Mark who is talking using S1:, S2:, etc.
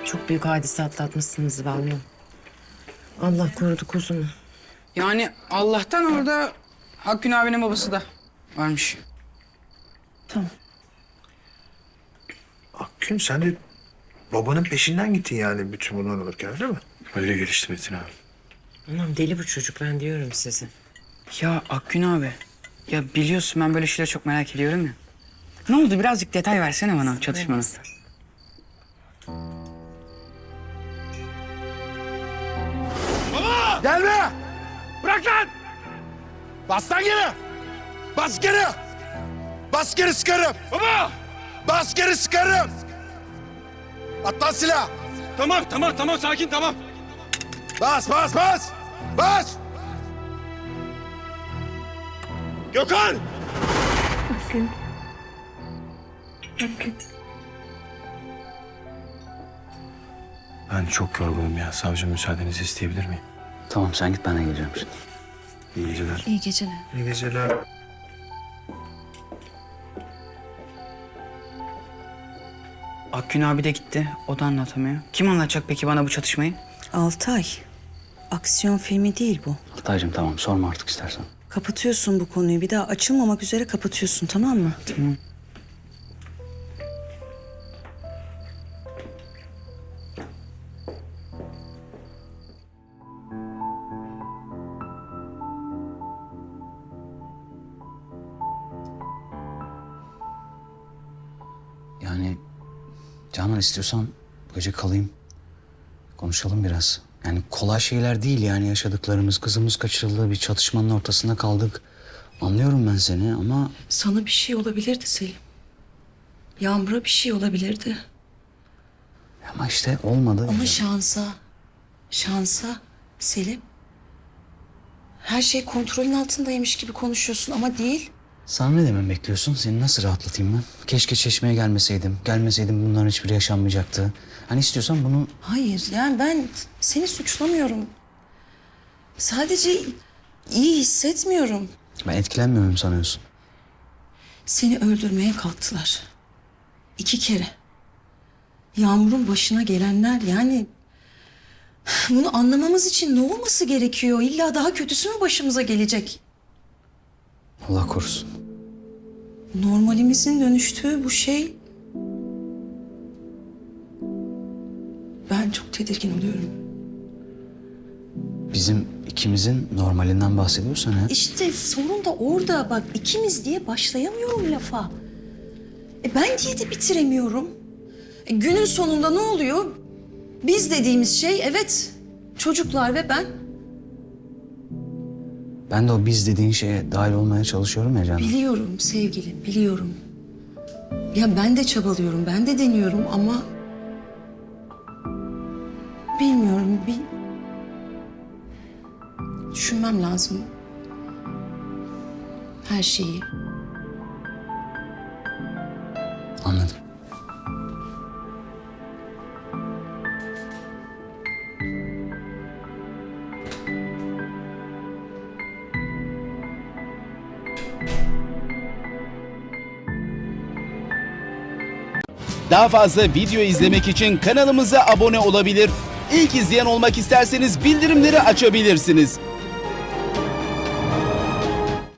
S1: Çok büyük hadise atlatmışsınız vallahi. Allah korudu kuzunu.
S2: Yani Allah'tan orada Akgün abinin babası da varmış.
S1: Tamam.
S3: Akgün sen de babanın peşinden gittin yani bütün bunlar olurken değil mi?
S4: Öyle gelişti Metin abi.
S1: Anam deli bu çocuk ben diyorum size.
S2: Ya Akgün abi, ya biliyorsun ben böyle şeyleri çok merak ediyorum ya. Ne oldu, birazcık detay versene bana çatışmanın.
S3: Gelme! Bırak lan! Bas lan geri! Bas geri! Bas geri sıkarım! Baba! Bas geri sıkarım! At lan silah!
S4: Tamam sakin tamam.
S3: Bas! Bas! Gökhan!
S4: Ben çok yorgunum ya. Savcı müsaadenizi isteyebilir miyim?
S5: Tamam sen git ben de geleceğim şimdi.
S4: İyi geceler.
S6: İyi geceler.
S3: İyi geceler.
S2: Akgün abi de gitti, o da anlatamıyor. Kim anlatacak peki bana bu çatışmayı?
S6: Altay, aksiyon filmi değil bu.
S5: Altaycığım tamam sorma artık istersen.
S6: Kapatıyorsun bu konuyu. Bir daha açılmamak üzere kapatıyorsun, tamam mı?
S2: Tamam.
S5: Yani Canan istiyorsan bu gece kalayım. Konuşalım biraz. Yani kolay şeyler değil yani yaşadıklarımız. Kızımız kaçırıldı, bir çatışmanın ortasında kaldık. Anlıyorum ben seni ama...
S6: Sana bir şey olabilirdi Selim. Yağmur'a bir şey olabilirdi.
S5: Ama işte olmadı.
S6: Ama şansa Selim. Her şey kontrolün altındaymış gibi konuşuyorsun ama değil.
S5: Sana ne demem bekliyorsun? Seni nasıl rahatlatayım ben? Keşke Çeşme'ye gelmeseydim. Gelmeseydim bunların hiçbiri yaşanmayacaktı. Hani istiyorsan bunu...
S6: Hayır, yani ben seni suçlamıyorum. Sadece iyi hissetmiyorum.
S5: Ben etkilenmiyorum sanıyorsun.
S6: Seni öldürmeye kalktılar. 2 kere. Yağmur'un başına gelenler yani... Bunu anlamamız için ne olması gerekiyor? İlla daha kötüsü mü başımıza gelecek?
S5: Allah korusun.
S6: Normalimizin dönüştüğü bu şey... Ben çok tedirgin oluyorum.
S5: Bizim ikimizin normalinden bahsediyorsan ha?
S6: İşte sorun da orada. Bak ikimiz diye başlayamıyorum lafa. Ben diye de bitiremiyorum. Günün sonunda ne oluyor? Biz dediğimiz şey evet çocuklar ve ben.
S5: Ben de o biz dediğin şeye dahil olmaya çalışıyorum ya Canan.
S6: Biliyorum sevgilim, biliyorum. Ya ben de çabalıyorum, ben de deniyorum ama... Bilmiyorum, bir... Düşünmem lazım. Her şeyi.
S5: Anladım.
S7: Daha fazla video izlemek için kanalımıza abone olabilir. İlk izleyen olmak isterseniz bildirimleri açabilirsiniz.